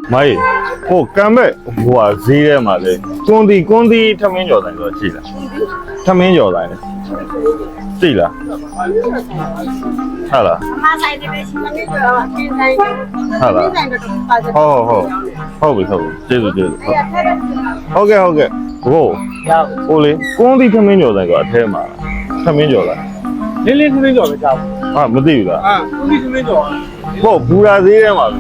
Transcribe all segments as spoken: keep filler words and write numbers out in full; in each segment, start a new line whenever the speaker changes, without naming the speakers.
မိုင်းဟိုကံမဲ့ဟိုဟာဈေးထဲမှာလေကွန်တီကွန်တီထမင်းကြော်တိုင်းဆိုရှိလားထမင်းကြော်တိုင်းလေရှိလားဟာလား
အမဆိုင်တယ်ရှိမနေတော့ကျင်းဆိုင်တယ်
ဟာလား
ဆိုင်တော့ပါတယ်
ဟုတ်ဟုတ်ဟုတ်ပြီဟုတ်ပြီကျေးဇူးကျေးဇူးဟုတ်ကဲ့ဟုတ်ကဲ့ဟိုဟိုလေကွန်တီထမင်းကြော်တိုင်းကအထဲမှာထမင်းကြော်လား
လင်းလင်းခင်းကြော်ပဲကြောက်
ဟာမသိဘူးလား
အာဦးကြီးခင်းကြော်
ဟုတ်ဘူရာဈေးထဲမှာ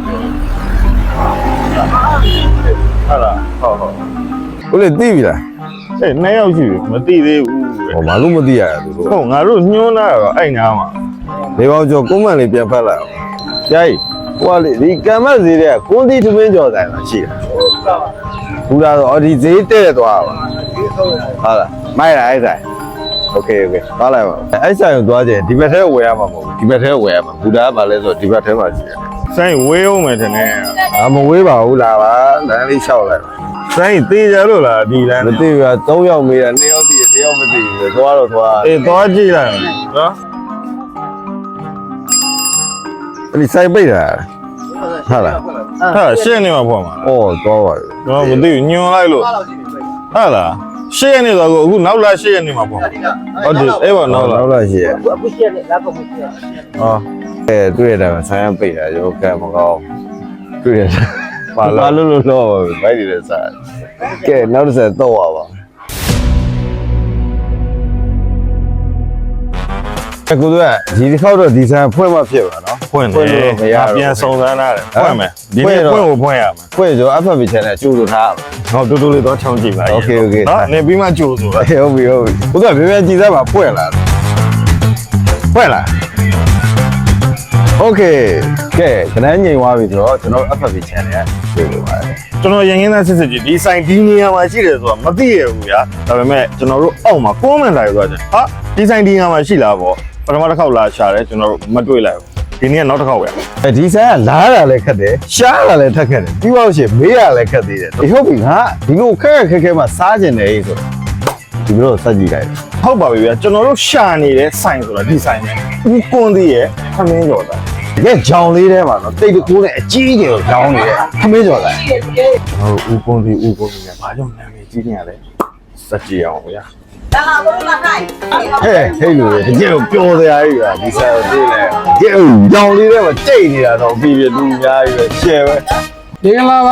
ဟာလားဟုတ်ဟုတ်
ဟုတ်လေသိပြီလား
အေးနှစ်ယောက်ရှိပြီမသိသေးဘူး
ဟောဘာလို့မသိရလဲသူတို့
ဟုတ်ငါတို့ညှိုးလာတော့အဲ့နားမှာ
နေပေါင်းကျော်ကွန်မန့်လေးပြန်ဖတ်လိုက်အောင်ကြာကြီးဟိုကလေဒီကံမတ်ဈေးတဲ့ကွန်တီသမင်းကျော်ဆိုင်မှာရှိတာဘူးလားတော့ဒီဈေးတဲ့သွားပါဟုတ်လားမိုက်လားအဲ့ဆိုင်โอเคโอเคသွားလိုက်ပါအဲ့ဆိုင်ကိုသွားကြရင်ဒီဘက်ထဲဝယ်ရမှာမဟုတ်ဘူးဒီဘက်ထဲဝယ်ရမှာဘူတာကဘာလဲဆိုတော့ဒီဘက်ထဲမှာရှိတယ်
စိုင်းဝေးအောင်မယ်ထင်တယ်
အာမဝေးပါဘူးလားပါလမ်းလေးလျှောက်လိုက်ပါ
စိုင်းသေးကြလို့လားဒီလမ်း
မသိဘူးကသုံးယောက်မေးတာနှစ်ယောက်တည်တယ်တစ်ယောက်မသိဘူးသွားတော့သွား
အေးသွားကြည့်လိုက်နော်
အဲ့ဒီဆိုင်ပိတ်တာဟုတ်လား
ဟာရှင်းနေမှာပေါ့မှာ
ဩသွားပါပြီ
တော့မသိဘူးညွန်လိုက်လို့ဟာလားရှင်းနေတော့အခုနောက်လာရှင်းနေမှာပေါ့ဟုတ်တယ်အေးပါနောက်လာ
နောက်လာရှိရ
အခုရှက်နေလာကုန်ရှက်
ဟော
အဲတွေ့ရတယ်ဆိုင်ရပိတ်တာရောကဲမကောင်းတွေ့ရတယ်ပါလာလို့လို့တော့ဗိုက်တွေလည်းစားကဲနောက်တစ်ဆက်တော့ရပါအခုတော့ဒီတစ်ခေါက်တော့ဒီဆိုင်ဖွင့်မှဖြစ်ပါနော်
ဖွင့်တယ်ပြန်စုံစမ်းရတယ်ဖွင့်မယ်ဒီနေ့ဖွင့်ကိုဖွင့်ရမယ်
ဖွင့်ဆို F F B channel ကျိုးလို့ထားပါ
ဟောတူတူလေးတော့ချောင်းကြည့်ပါနော်နေပြီးမှကြိုးဆိုတာ
ဟုတ်ပြီဟုတ်ပြီဘုရားပြပြကြည်စားပါဖွင့်လာဖွင့်လာโอเคကဲခဏငြိမ်သွားပြီဆိုတော့ကျွန်တော် F F B channel ကတွေ့လို့ပါတယ်
ကျွန်တော်ရင်ရင်းသားစစ်စစ်ကြီးဒီဆိုင်ဒီနေရာမှာရှိတယ်ဆိုတာမသိရဘူးဗျာဒါပေမဲ့ကျွန်တော်တို့အောက်မှာ comment လိုက်သွားတယ်ဟာဒီဆိုင်ဒီနေရာမှာရှိလားပေါ့ပထမတစ်ခေါက်လာရှာတယ်ကျွန်တော်တို့မတွေ့လိုက်ဘူးဒီနေ့ကနောက်တစ်ခေါက်ပဲ
အဲဒီဆိုင်ကလားတာလည်းခက်တယ်ရှားတာလည်းထက်ခက်တယ်ပြီးတော့ရှင်မေးရလည်းခက်သေးတယ်ဒီဟုတ်ပြီငါဒီလိုခက်ခက်ခဲခဲမှစားကျင်တယ်ဆိုဒီလိုစက်ကြည့်လိုက်
ဟုတ်ပါပြီဗျာကျွန်တော်တို့ရှာနေတဲ့ဆိုင်ဆိုတာဒီဆိုင်ပဲဦးကွန်သေးရဲ့ခမင်းကျော်တာ
တကယ်ကြောင်လေးထဲမှာတော့တိတ်တကူနဲ့အကြီးကြီးကိုကြောင်နေတယ်ခမင်းကျော်လိုက်
ကျွန်တော်တို့ဦးကွန်သေးဦးကွန်သေးနဲ့ဘာကြောင့်နာမည်ကြီးနေရလဲစက်ကြည့်အောင်ဗျာ
ဒါလာတော့လာခိုင်း
ဟဲ့ဟဲ့လူတွေတကယ်ကိုပျော်စရာကြီးပါဒီဆိုင်ကိုသိလဲတကယ်ကိုကြောင်လေးထဲမှာတိတ်နေတာတော့ပြီးပြီလူအများကြီးပဲရှယ်ပဲ
ဒီကလာပါ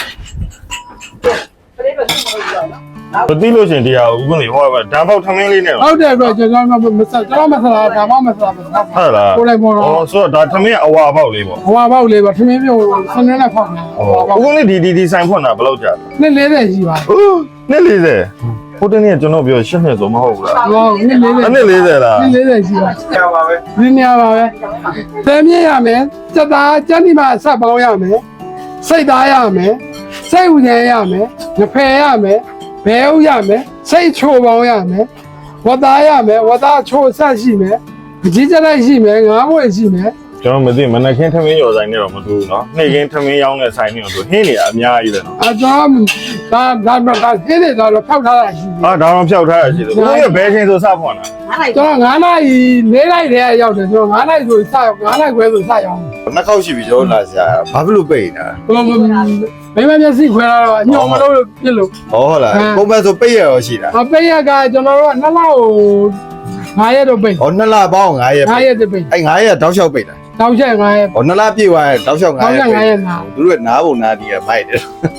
မသိလို့ရှင်တရားဦးကွန်သေးဟောပါဓာတ်ပေါက်ထမင်းလေးနဲ့
ဟုတ်တယ်ပြကျွန်တော်မဆက်ကျွန်တော်မဆက်တာဒါမှမဆက်ပါဘူး
ဟုတ်လား
ကိုလိုက်ပေါ်တော့
ဩဆိုတော့ဒါထမင်းအဝါပေါက်လေးပေါ့
ဟွာပေါက်လေးပါထမင်းပြုတ်ဆင်းနေဖောက်နေဟွာပေါက်
ဦးကွန်သေးဒီဒီဒီဆိုင်ဖွင့်တာဘယ်လောက်ကြာလဲ
နှစ်လေးတဲ့ရှိပါ
ဟုတ်နှစ်လေးဆယ်ဟိုတနေ့ကကျွန်တော်ပြောရှင်းနေဆိုမဟုတ်ဘူးလား
ဟောနှစ်လေးတဲ့
အနှစ်လေးဆယ်လား
နှစ်လေးတဲ့ရှိပါ
ကြာပါပဲ
ဒီနေရာပါပဲသမ်းမြရမယ်စက်သားစက်ဒီမှာဆက်ပေါင်းရမယ်စိတ်သားရမယ်စိတ်ဥဉ္ရရမယ်ငဖယ်ရမယ်ဘဲဥရမယ်စိတ်ချိုပေါင်းရမယ်ဝတ်သားရမယ်ဝတ်သားချိုဆက်ရှိမယ်အကြီးကျလိုက်ရှိမယ်ငါးဘွယ်ရှိမယ်
ကျွန်တော်မသိမနက်ခင်းထမင်းရော်ဆိုင်နဲ့တော့မတူဘူးเนาะနေ့ခင်းထမင်းရောင်းတဲ့ဆိုင်နဲ့တော့ဟင်းနေအများကြီးပဲเนาะ
အကြောင်းဒါဒါဒါဟင်းတွေတော့ဖောက်ထားတာရှိတယ်
ဟာဒါတော့ဖြောက်ထားရရှိတယ်ဘုရားဘယ်ချိန်ဆိုစဖွင့်တာ
အားလိုက်
ကျွန်တော်9နာရီ၄နိုင်တည်းရောက်တယ်ကျွန်တော်9နိုင်ဆိုစရောက်9နိုင်ခွဲဆိုစရောက်
နှစ်ခေါက်ရှိပြီကျွန်တော်လာရှာဘာဖြစ်လို့ပိတ်နေတာ
ဘယ်လိုမိမမျက်စိခွဲလာတော့ညောင်မလို့ပြစ်လို့
ဟောဟုတ်လားပုံမှန်ဆိုပိတ်ရရောရှိတာ
အပိတ်ရကကျွန်တော်တို့ကနှစ်လကို9ရက်တော့ပိတ်
ဟောနှစ်လပေါင်း9ရက်
9ရက်တပိတ်
အဲ9ရက်တောက်လျှောက်ပိတ်တာ
တောက်ချက်9ရက်
ဟောနှစ်လပြည့်သွားရင်တောက်လျှောက်9ရက်
9ရက်နာ
သူတို့ကနားပုံနားဒီကမိုက်တယ်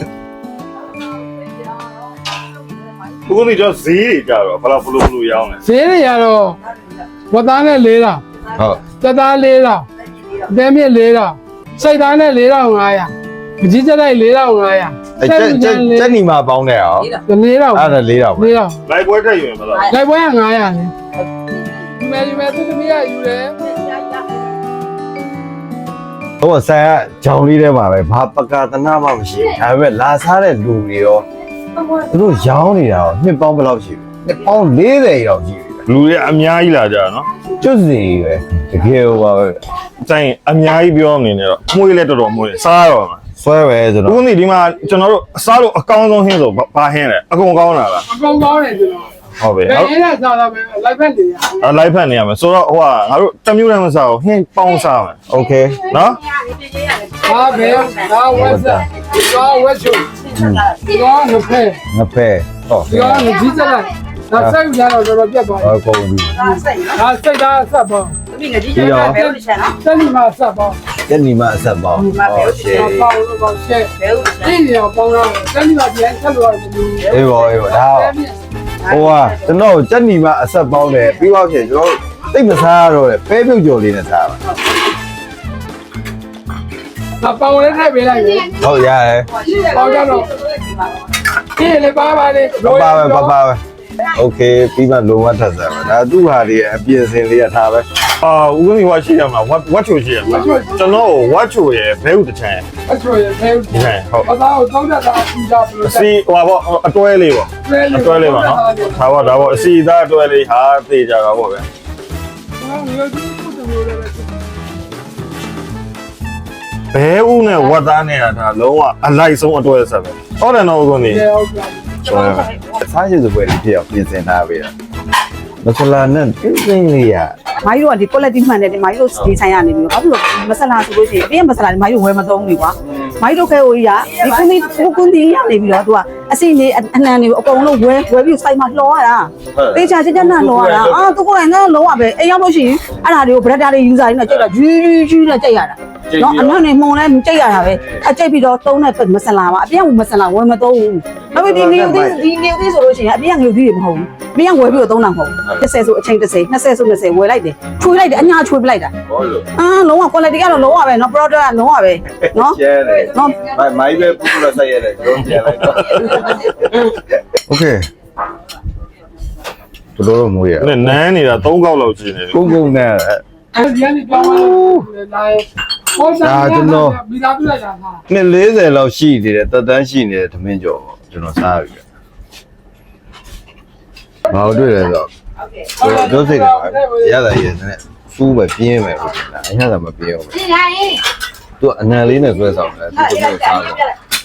ဘုရားကြီးတော့ဈေးတွေကြတော့ဘယ်လောက်ဘလို့ဘလို့ရောင်းလဲ
ဈေးတွေရတော့ဝတ်သားနဲ့၄တောင်
ဟုတ်
စက်သား၄တောင်အသေးမြင့်၄တောင်စိတ်သားနဲ့၄တောင်၅ရာအကြီးကျလိုက်၄တောင်၅ရာ
အဲကျက်ကျက်ကျက်နီမှာပေါင်းတယ်ဟော
၄တောင်
အဲ့ဒါ၄တောင်ပဲ
၄တောင်
လိုက်ပွဲတက်ယူရင်ဘယ်လောက်
လိုက်ပွဲက900လေဒီမဲ့ဒီမဲ့သူသမီးကယူတယ်
ဟိုဆိုင်ကဂျောင်လေးထဲမှာပဲဘာပကာသနာမှမရှိဘူးဒါပေမဲ့လာစားတဲ့လူတွေရောသူတို့ရောင်းနေတာရောနှစ်ပေါင်းဘယ်လောက်ရှိလဲနှစ်ပေါင်း၄၀ရောက်ရှိပြီ
လူတွေအများကြီးလာကြတာเนาะ
ကျွတ်စီပဲတကယ်ဟိုပါပဲ
ဆိုင်အများကြီးပြောနေနေတော့မှုရလက်တော်တော်မှုရစားတော့မှာ
ဆွဲပဲဆို
ဘု
တော့
ရားကြီးဒီမှာကျွန်တော်တို့အစားလို့အကောင်းဆုံးဟင်းဆိုဘာဟင်းလဲအကုန်ကောင်းတာလား
အကောင်ကောင်းတယ်ကျွန်တော်
ဟုတ်ပြီ
ဘယ်
ဟုတ်
ရင်းနဲ့စားတာပဲလိုက်ဖက်နေရ
အလိုက်ဖက်နေရမယ်ဆိုတော့ဟိုကငါတို့တမျိုးတည်းမစားဘူးဟင်းပေါင်းစားမယ်
โอเค
နော်
ဟာဘယ်ဒါဝက်ဆက်ရောဝက်ချိုရောငဖဲ
ငဖဲဟော
ရောငကြီးစလိုက်ဒါစိတ်ရတော့တော်တော်ပြတ်သွား
ဟောကုန်ပြီ
ဒါစိတ်
ဒါစိတ်သားဆက်ပေါင်း
သမီးငကြီးကျတော့ဘယ်လိုချင်နော်
စက်ဒီမှာဆက်ပေါင်း
ညနေမှအဆက်ပေါင်းဟောရှေ့
ပေါင်းလို့ပေါင်းရှဲ
ဘယ်လိုချင်
ဒီရောပေါင်းတော့စက်ဒီမှာပြန်ဆက်လို့ရတယ်
အေးပါအေးပါဒါဟိုဟာကျွန်တော်ညနေမှအဆက်ပေါင်းတယ်ပြီးတော့ဖြစ်ကျွန်တော်သိမစားရတော့လေပဲပြုတ်ကြော်လေးနဲ့စားပါ
ဒါပေါင်းလေးထည့်ပေးလိုက်ပြီ
ဟုတ်ရတယ်
ပေါင်းကြတော့ဒီလေပါပါလေ
ပပပဲပပပဲโอเคပြီးမှလုံးဝထပ်စားပါဒါသူ့ဟာဒီအပြည့်စင်လေးကထားပဲ
အာဦးဝင်းကြီးဝါရှိရမှာဝတ်ဝတ်ချိုရှိရမှာကျွန်တော်ဝတ်ချိုရဲ့ဘဲဥတချမ်း
အချိုရသေး
ဒီဆိုင်ဟုတ်
အသားကိုတောင်းတတာအူကြဘလို့
အစီဟိုပါပေါ့အတွဲလေးပေါ့အတွဲလေးပါနော်ဒါပေါ့ဒါပေါ့အစီသားအတွဲလေးဟာသေကြတာပေါ့ဗျဘဲဥနဲ့ဝတ်သားနဲ့ဒါလုံးဝအလိုက်ဆုံးအတွဲဆက်ပဲဟုတ်တယ်နော်ဦးကုန်ကြီး
ဟုတ်ကဲ့
ဆိုတော့စားရည်စပွဲလေးဖြစ်အောင်ပြင်ဆင်ထားပေးတာမဆလာနဲ့တင်းတင်းလေးရ
မိုင်းတို့ကဒီ quality မှန်တယ်ဒီမိုင်းတို့ဒီဆိုင်ရနေပြီးတော့ဘာဖြစ်လို့မဆလာဆိုလို့ရှိရင်ပြည့်မဆလာဒီမိုင်းတို့ဝယ်မသုံးဘူးကွာမိုင်းတို့ခဲဟိုကြီးကဒီကွန်ဒီကိုကွန်ဒီရနေပြီးတော့သူကအစီနေအနှံနေအကုန်လုံးဝယ်ဝယ်ပြီးစိုက်မှာလှော်ရတာတေချာချင်းချင်းနဲ့လှော်ရတာအာသူကိုယ်တိုင်ကလုံးဝပဲအိမ်ရောက်လို့ရှိရင်အဲ့ဒါတွေကို brother တွေ user တွေနဲ့ကြိတ်တာဂျူးဂျူးဂျူးနဲ့ကြိတ်ရတာနော်အနောက်နေမှုံလဲကြိတ်ရတာပဲအကြိတ်ပြီးတော့သုံးတဲ့မဆလာပါအပြည့်ကမဆလာဝယ်မသုံးဘူးနောက်ပြီးဒီနေဦးဒီနေဦးဆိုလို့ရှိရင်အပြည့်ကငွေသီးတွေမဟုတ်ဘူးအပြည့်ကဝယ်ပြီးတော့သုံးတာမဟုတ်ဘူးတစ်ဆယ်ဆိုအချိန်တစ်ဆယ်နှစ်ဆယ်ဆိုနှစ်ဆယ်ဝယ်လိုက်တယ်ချွေလိုက်တယ်အညာချွေပလိုက်တာ
ဟောလို့
အာလုံးဝ quality ကတော့လုံးဝပဲเนาะ product ကလုံးဝပဲเนาะ
ကျဲတယ်
เนาะ
မိုင်မိုင်ပဲပူပူလာဆိုင်ရတယ်ကျွန်တော်ပြန်လိုက်တော့โอเคဘလို့လို့မွေးရ
နဲ့နန်းနေတာ၃កောက်လောက်ရှိနေတယ်
ကုန်းကုန်းနဲ့
အဲဒီကနေပြောင်းလာတယ်ဟောတာမိသားစုလိုက်တာဟာ
နှစ်၄၀လောက်ရှိနေတယ်တက်တန်းရှိနေတယ်သမင်းကျော်ပေါ့ကျွန်တော်စားပြီဘာလို့တွေ့လဲဆိုတော့ဒုစိတ်တယ်ရတာရတဲ့စူးပဲပြင်းမယ်ဟုတ်လားအညာကမပြင်းဘူးသူအနံလေးနဲ့ဆွဲဆောင်တယ်သူတို့စားတယ်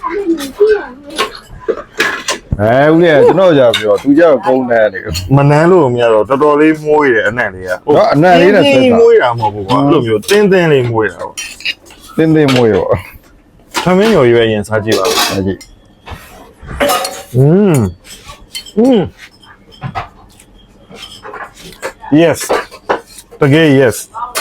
အဲဦးလေးကျွန်တော်ကြာပြောသူကြောက်ကုန်းတယ်လေ
မနန်းလို့မရတော့တော်တော်လေးမွေးတယ်အနံ့လေးကမွေးတာမဟုတ်ဘူးကွာအဲ့လိုမျိုးတင်းတင်းလေးမွေးတာပေါ့
တင်းတင်းမွေးရော
သမင်းညော်ရွယ်ရင်စားကြည့်ပါဦး
အဲ့ဒီ
อืมอืม yes တကယ် yes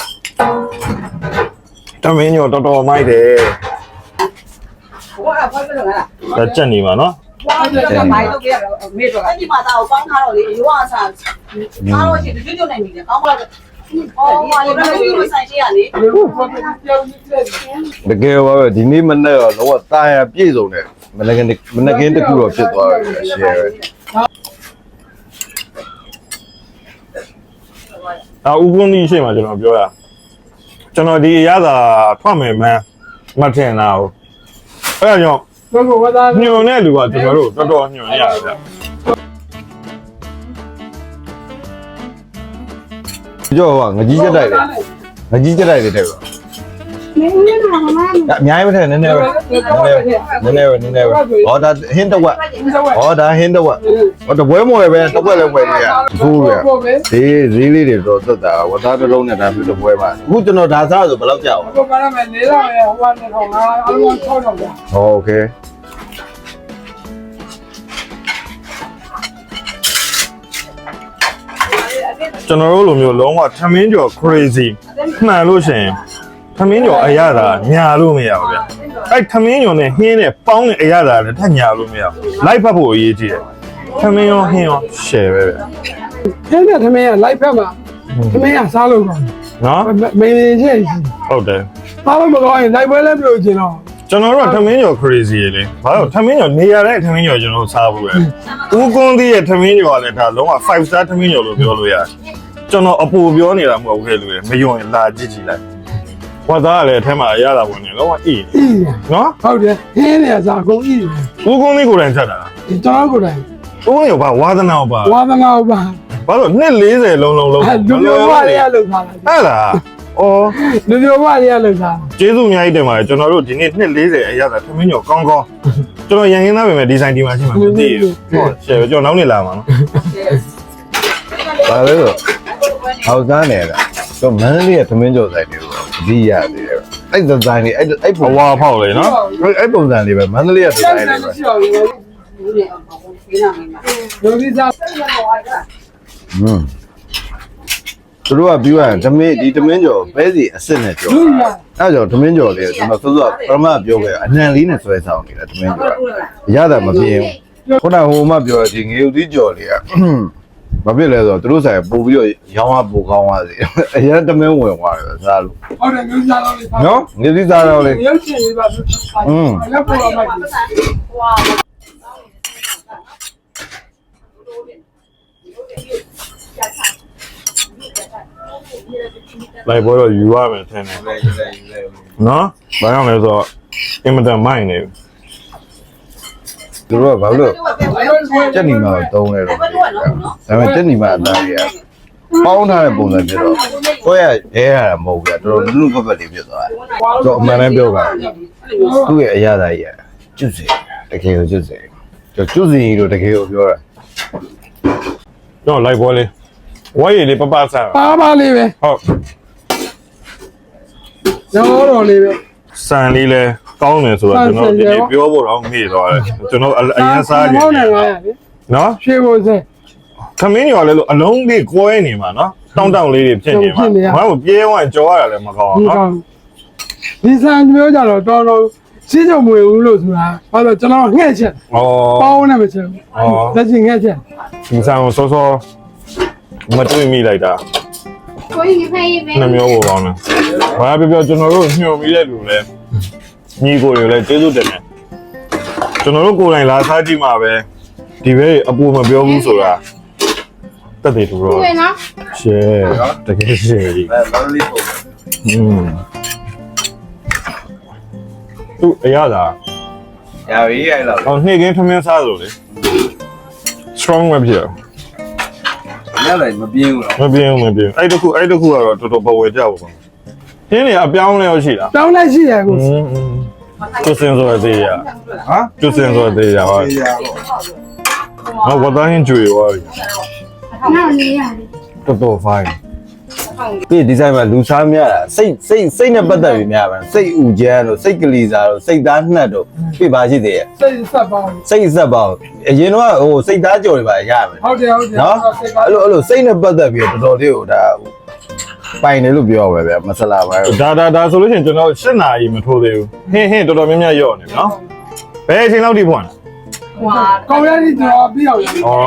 သမင်းညော်တော်တော်မိုက်တယ်
ဟိုကဘာဖြစ်လို့လဲ
ဒါကြက်နေပါနော်
ဘာမိုင်းတို့ပြရတော့မေတော့အဲ့ဒီမှာသာကိုပေါင်းထားတော့လေရိုးအစားအားလို့ရှိရင်ကျွတ်ကျွတ်နိုင်ပြီလေကောင်းပါလားအော်ဘာလို့လဲဒီဆိုင်ရှိရလေ
အခုဖော်ပြပြောင်းနေတယ်
တကယ်ပါပဲဒီနေ့မနေ့တော့တော့တာယာပြည့်စုံတယ်မနက်ကင်းမနက်ကင်းတစ်ခုတော့ဖြစ်သွားပြီရှယ်ပဲ
အာဥပုံကြီးရှိမှကျွန်တော်ပြောရကျွန်တော်ဒီအရသာထွက်မယ်မှန်းမထင်တာဟုတ်အဲ့ဒါကြောင့်
ဘယ်ကိုဝသား
ညွန်တဲ့လူကကျွန်တော်တို့တော်တော်ညွန်ရတယ်ဗျ
ကြောက်ဟာငကြီးချက်တိုက်တယ်ငကြီးချက်တိုက်တယ်တဲ့ကွာအများကြီးမထက်နည်းနည်းပဲနည်းနည်းပဲနည်းနည်းပဲဟောဒါဟင်းတစ်ဝက်ဟောဒါဟင်းတစ်ဝက်ဟောတပွဲမွယ်ပဲတစ်ဝက်လည်းဝယ်လို့ရဘူးရဈေးဈေးလေးတွေတော့သက်တာဝသားတစ်လုံးနဲ့ဒါပြတပွဲမှာအခုကျွန်တော်ဒါစားဆိုဘယ်လောက်ကြောက်
ဘယ်မှာလဲနေတော့ရဟိုကနေထောင်းလာအလုံး၆တော့ဗျာ
โอเค
ကျွန်တော်တို့လိုမျိုးလုံးဝထမင်းကျော် crazy မှန်လို့ရှိရင်ထမင်းကျော်အရသာညာလို့မရဘူးဗျအဲ့ထမင်းကျော်နဲ့ဟင်းနဲ့ပေါင်းတဲ့အရသာလည်းထညာလို့မရဘူးလိုက်ဖတ်ဖို့အရေးကြီးတယ်ထမင်းရောဟင်းရော share ပဲဗျ
ခင်းတဲ့သမင်းကလိုက်ဖက်မှာသမင်းကစားလို့ကောင်း
နော်
မင်းမင်းချင်း
ဟုတ်တယ်
စားလို့မကောင်းရင်လိုက်ပွဲလည်းမလို့ချင်တော့
ကျွန်တော်တို့ကထမင်းကျော် crazy လေဘာလို့ထမင်းကျော်နေရာတဲ့ထမင်းကျော်ကျွန်တော်စားဖို့ပဲဦးကွန်းသေးရဲ့ထမင်းကျော်ကလည်းဒါလုံးဝfive star ထမင်းကျော်လို့ပြောလို့ရတယ်ကျွန်တော်အပူပြောနေတာမဟုတ်ခဲ့လို့လေမယုံရင်လာကြည့်ကြည့်လိုက်ဝတ်သားကလည်းအထက်မှာအရသာဝင်နေလုံးဝအေးနော်
ဟုတ်တယ်ခင်းနေစားကုန်ဤ
ဦးကွန်းသေးကိုယ်တိုင်ချက်တာ
ကျွန်တော်ကိုယ်တိုင်
ဦးကွန်းရောပါဝါသနာပါ
ဝါသနာပါ
ဘာလို့နှစ်၄၀လုံးလုံးလုံး
လူမျိုးမတွေကလောက်ထားတာ
ဟဲ့လားအော်
လူမျိုးမတွေကလောက်ထား
ကျေးဇူးအများကြီးတင်ပါတယ်ကျွန်တော်တို့ဒီနေ့နှစ်၄၀အရသာထမင်းကျော်ကောင်းကောင်းကျွန်တော်ရန်ရင်းသားပဲမဲ့ဒီဇိုင်းဒီမှာရှိမှာမသိဘူးဟုတ်ရှယ်ပဲကျွန်တော်နောက်နေ့လာမှာနော်
ဘာလဲဆိုဟောက်သားနေတာတော့မန်းလေးရဲ့သမင်းကြော်ဆိုင်တွေကိုဒီရသေးတယ်အဲ့ဒီဇိုင်းလေးအဲ့အဲ့
အ
ပုံ
ဝါဖောက်လေနော်
အဲ့အဲ့ပုံစံလေးပဲမန္တလေးကဒီဇိုင်းလေးပဲ
ရှိပါဘူးလူကြီးစား
ဟွန်းသူတို့ကပြီးသွားရင်ဓမင်းဒီဓမင်းကျော်ပဲစီအစ်စ်နဲ့ကျော်တာအဲ့ကြောင့်ဓမင်းကျော်လေးကိုကျွန်တော်စောစောပရမပြောခဲ့အနံလေးနဲ့ဆွဲဆောင်နေတာဓမင်းကျော်ရတာမပြင်းခုနဟိုမှပြောဒီငေဦးသီးကျော်လေးကဘာဖြစ်လဲဆိုတော့သူတို့ဆိုင်ပို့ပြီးတော့ရောင်းရပို့ကောင်းသွားစီအရင်ဓမင်းဝင်သွားတယ်စားလို့
ဟုတ်တယ်လူကြီးစားတော့လေ
နော်ငေဦးသီးစားတော့လေ
ရုပ်ရှင်လေးပါอืมလက်ပေါ်မှာကြည့်
လိုက်ပေါ်တော့ယူရမယ်ထင်တယ်နော်ဘာကြောင့်လဲဆိုတော့အင်မတန်မိုက်နေ
သူတို့ကဘာလို့စက်နီမာကိုတုံးလဲတော့ဒါပေမဲ့စက်နီမာအသားကြီးကပေါင်းထားတဲ့ပုံစံဖြစ်တော့ကိုယ့်ရဲ့ရဲရတာမဟုတ်ဘူးတော်တော်လူလူဖက်ဖက်လေးဖြစ်သွားတယ်တော့အမှန်တမ်းပြောပါသူ့ရဲ့အရာသားကြီးကကျွတ်စီတကယ်ကိုကျွတ်စီကျွတ်စီလို့တကယ်ကိုပြောတာ
တော့လိုက်ပေါ်လေဝါရီလေးပပဆန်
ပါပါလေးပဲ
ဟုတ်
ရောတော်လေးပဲ
ဆန်လေးလဲကောင်းတယ်ဆိုတော့ကျွန်တော်ဒီနေ့ပြောဖို့တော့မေ့သွားတယ်ကျွန်တော်အရင်စားကြည့်
ဟုတ်တယ်ငါရလေ
နော်
ရွှေဘိုစဲ
ခမင်းရော်လဲလို့အလုံးလေးကွဲနေမှာနော်တောင်းတောင်းလေးတွေဖြစ်နေမှာဘာလို့ပြေးဝမ်းကြောရတာလည်းမကောင်း
ဒီ
နော်
ကောင်ဒီစံမျိုးကြတော့တော်တော်စီးကြမွေဘူးလို့ဆိုတာဘာလို့ကျွန်တော်ငှက်ချက်
ဩ
ပေါင်းနေမချက်လက်ချင်ငှက်ချက်
ဒီဆန်ကိုစောစောမတွေ့မိလိုက်တာ
ကိုကြီးဖေးမေး
နှမျိုးပေါ်ကောင်းတယ်ဘာပြောပြောကျွန်တော်တို့ညှို့မိတဲ့လူလဲညီကိုတွေလည်းကျေးဇူးတင်တယ်ကျွန်တော်တို့ကိုယ်တိုင်လာစားကြည့်မှာပဲဒီဘက်အပူမပြောဘူးဆိုတာတက်တယ်သူတော့
ကိုနော်
ရှယ်တကယ်ရှယ်ကြီး
အဲဘာလို့လေးပုံ
อืมသူအရသာ
ရပြီအဲ့လောက်
အော်နှိမ့်ကင်းထမင်းစားလို့လေ strong ပဲဖြစ်
ရလိုက်မပြင်းဘူး
မပြင်းဘူးမပြင်းအဲ့တခုအဲ့တခုကတော့တော်တော်ပဝယ်ကြပါဘူးခင်းနေအပြောင်းလဲရောရှိလား
တောင်းလိုက်ရှိရကို
อืมသူစင်ဆိုသေးရ
ဟမ်
သူစင်ဆိုသေးရပါဟောဘာတိုင်းကျွေရော
နောက်နေရတယ်
တော်တော် fine
ဒီဒီဇိုင်းမှာလူစားများတာစိတ်စိတ်စိတ်နဲ့ပတ်သက်ပြီးများပါစိတ်ဥကျန်းတို့စိတ်ကလေးစားတို့စိတ်သားနှက်တို့ပြပါရှိသေးရဲ့
စိတ်ဆက်ပေါင်း
စိတ်ဆက်ပါအရင်တော့ဟိုစိတ်သားကြော်တွေပါရမယ်
ဟုတ်တယ်ဟုတ်တယ်
နော်အဲ့လိုအဲ့လိုစိတ်နဲ့ပတ်သက်ပြီးတော်တော်လေးကိုဒါပိုင်တယ်လို့ပြောပါပဲမဆလာပါဘူး
ဒါဒါဒါဆိုလို့ရှိရင်ကျွန်တော်၈နာရီမထိုးသေးဘူးဟင်းဟင်းတော်တော်များများရော့နေပြီနော်ဘယ်အချိန်လောက်ထိဖွင့်လဲ
ဟွာ
ကောင်းရည်တော့ပြီးအောင်
ဩ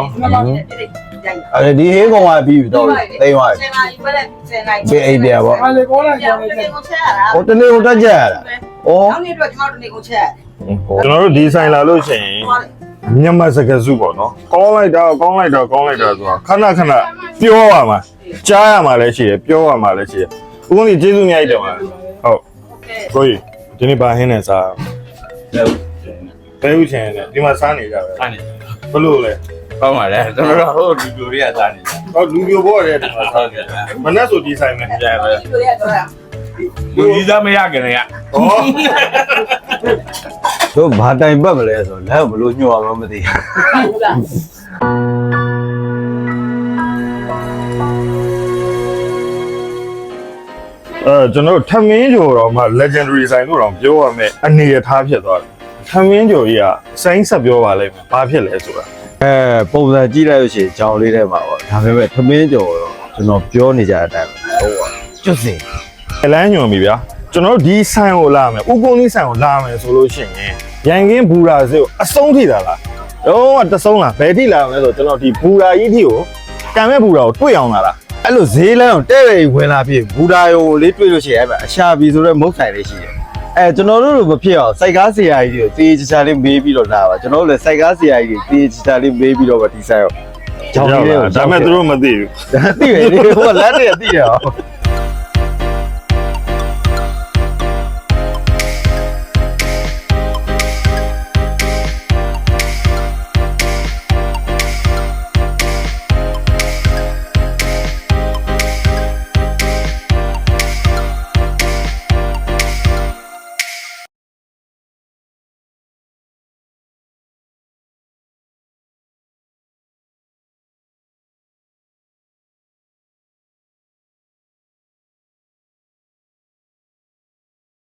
အဲ့ဒီဟင်းကောင်ကပြီးပြီတော့တိမ်သွားပြီ
ဆယ်နာရီပဲဆယ်နာရီ
ဘေးအိပ်ပြပေါ့
ဟာလေကောလိုက်
ပြော
ကြော
င်း
င်း
နေ
လိုက်
ကိုချက်ရတာ
ဟိုတနေ့ဟိုတက်ကြရတာဩ
နောက်နေ့အတွက်ကျွန်တော်တို့နေကိုချက်
ကျွန်တော်တို့ဒီဆိုင်လာလို့ရှိရင်မြန်မာစကားစုပေါ့နော်ကောင်းလိုက်တာကောင်းလိုက်တာကောင်းလိုက်တာဆိုတာခဏခဏပြောရမှာကြားရမှာလည်းရှိတယ်ပြောရမှာလည်းရှိတယ်ဦးကုန်ကြီးကျေးဇူးအများကြီးတင်ပါတယ်ဟုတ်ကိုကြီးဒီနေ့ဘာဟင်းနဲ့စားဘယ်ဥချင်နဲ့ဒီမှာစားနေကြပဲ
စားနေ
ဘလို့လဲ
ကောင်းပါလေကျွန်တော်တို့ဟိုလူလူတွေကစားနေတယ်
ဟောလူပြိုဘောရဲဒီမှာစားနေမနဲ့ဆိုဒီဆိုင်နဲ့
ကြည့်ပဲ
ဒီလိုရတော့ရ
လူကြီးစားမရခင်လေက
ဟော
တို့ဘာတိုင်ပတ်မလဲဆိုလက်ဘလို့ညှို့အောင်မသိ
အဲကျွန်တော်တို့ထမင်းကျော်တော့မှ legendary ဆိုင်လို့တော့ပြောရမယ်အနေရထားဖြစ်သွားတယ်ထမင်းကျော်ကြီးကစိုင်းဆက်ပြောပါလိမ့်မယ်ဘာဖြစ်လဲဆိုတာ
အဲပုံစံကြည့်လိုက်လို့ရှိရင်ကြောင်လေးထဲမှာပေါ့ဒါပေမဲ့သမင်းကြော်တော့ကျွန်တော်ပြောနေကြတဲ့အတိုင်းဟုတ်ပါကျွတ်စင်
လမ်းညွန်ပြီဗျာကျွန်တော်တို့ဒီဆိုင်ကိုလာမယ်ဥကုန်းဒီဆိုင်ကိုလာမယ်ဆိုလို့ရှိရင်ရန်ကင်းဘူရာစေကိုအဆုံးထိတာလားတော့တဆုံးလားဘယ်ထိလာမလဲဆိုကျွန်တော်ဒီဘူရာကြီးထိကိုကံမဲ့ဘူရာကိုတွေ့အောင်လာလား
အဲ့လိုဈေးလမ်းကိုတဲ့တဲ့ဝင်လာပြီဘူဒါယုံလေးတွေ့လို့ရှိရင်အဲ့အရှာပြီဆိုတော့မုတ်ဆိုင်လေးရှိတယ်အဲကျွန်တော်တို့လိုမဖြစ်အောင်စိုက်ကားဆရာကြီးတွေကိုတေးချာချာလေးမေးပြီးတော့လာပါကျွန်တော်တို့လည်းစိုက်ကားဆရာကြီးတွေတေးချာချာလေးမေးပြီးတော့ဗဒီဆိုင်ရောကြောင်လေးကို
ဒါမဲ့သူတို့မသိဘူး
သိတယ်လေဟိုလက်တည်းသိရအောင်